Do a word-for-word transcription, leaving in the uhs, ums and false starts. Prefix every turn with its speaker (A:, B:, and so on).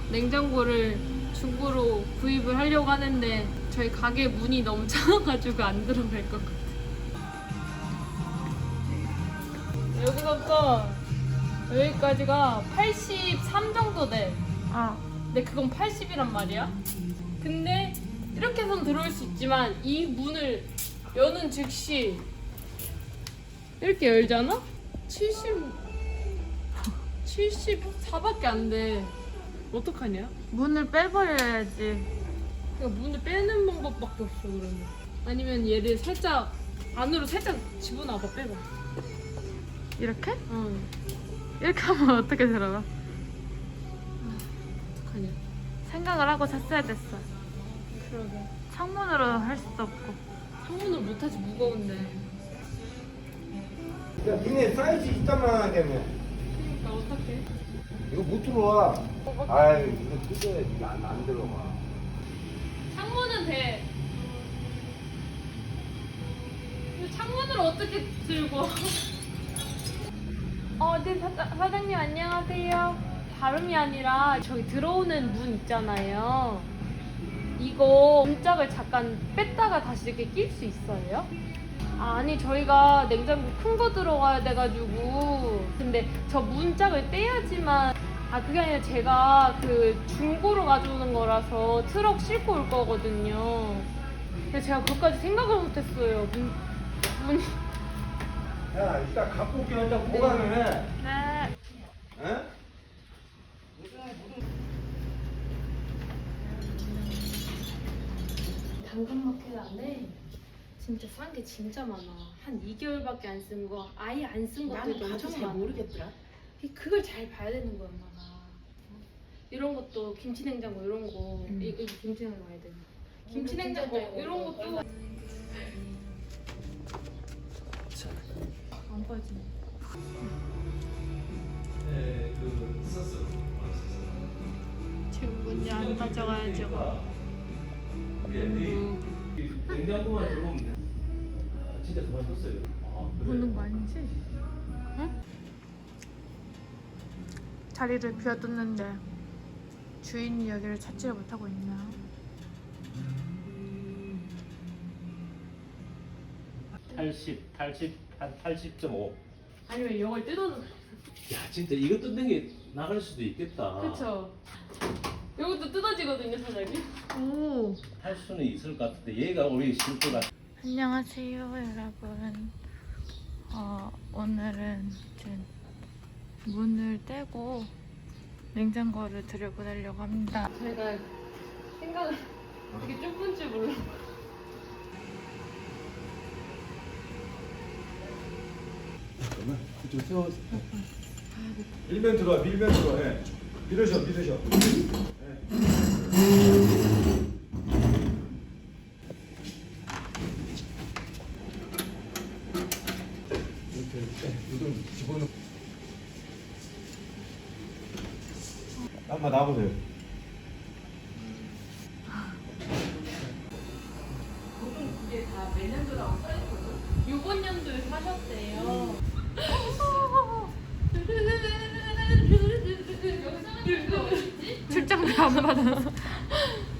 A: 냉장고를 중고로 구입을 하려고 하는데 저희 가게 문이 너무 작아가지고 안 들어갈 것 같아요. 여기서부터 여기까지가 팔십삼 정도 돼.
B: 어.
A: 근데 그건 팔십이란 말이야. 근데 이렇게 해서는 들어올 수 있지만 이 문을 여는 즉시 이렇게 열잖아? 칠십, 칠십사밖에 안 돼. 어떡하냐?
B: 문을 빼버려야지.
A: 그러니까 문을 빼는 방법밖에 없어 그러면. 아니면 얘를 살짝 안으로 살짝 집어넣어봐. 빼봐.
B: 이렇게?
A: 응.
B: 이렇게 하면 어떻게 들어가?
A: 어떡하냐?
B: 생각을 하고 샀어야 됐어.
A: 그러게.
B: 창문으로 할 수도 없고.
A: 창문을 못하지 무거운데.
C: 야, 니네 사이즈 있단 말이야.
A: 그러니까 어떡해?
C: 이거 못 들어와. 아이, 이거 뜯어야지. 이거 안, 안 들어가.
A: 창문은 돼. 근데 창문을 어떻게 들고? 어, 네 사장, 사장님 안녕하세요. 다름이 아니라 저기 들어오는 문 있잖아요. 이거 문짝을 잠깐 뺐다가 다시 이렇게 낄 수 있어요? 아, 아니 저희가 냉장고 큰 거 들어가야 돼가지고. 근데 저 문짝을 떼야지만. 아, 그게 아니라 제가 그 중고로 가져오는 거라서 트럭 싣고 올 거거든요. 근데 제가 그것까지 생각을 못했어요. 문, 문이.
C: 야, 이따 갖고 올게. 혼자 보관을 해.
B: 네.
C: 에?
A: 당근마켓 안에 진짜 싼 게 진짜 많아. 한 이 개월밖에 안 쓴 거, 아예 안 쓴 것들도
D: 나는
A: 엄청
D: 잘
A: 많아.
D: 모르겠더라.
A: 그걸 잘 봐야 되는 거야, 엄마가. 이런 것도 김치냉장고 이런 거,
D: 음.
A: 이, 이 김치냉장고 아야 돼. 김치냉장고 이런 것도 안 빠지네.
B: 지금 문제 안 가져가야죠.
E: 냉장고만 들어오면 돼. 진짜 그만 뒀어요. 아, 그래.
B: 보는 거 아니지? 응? 자리를 비워뒀는데 주인이 여기를 찾지를 못하고 있나?
E: 팔십, 팔십, 한 팔십 점 오.
A: 아니면 이걸 뜯어서.
E: 야, 진짜 이거 뜯는 게 나갈 수도 있겠다.
A: 그쵸? 이것도 뜯어지거든요, 사장님.
B: 오.
E: 할 수는 있을 것 같은데 얘가 우리 실수가.
B: 안녕하세요, 여러분. 어, 오늘은 이제 문을 떼고 냉장고를 들여보내려고 합니다.
A: 저희가 생각을 되게 좁은 줄 몰라.
C: 잠깐만. 그쪽 세워서. 밀면 들어와. 밀면 들어와. 해. 밀으셔. 밀으셔. 이렇게 이렇게 우동 집어넣고. 한번 놔보세요.
A: 이게 다 몇 년도라고 써있거든? 요번 연도에 사셨대요.
B: 출장비 안 받아서.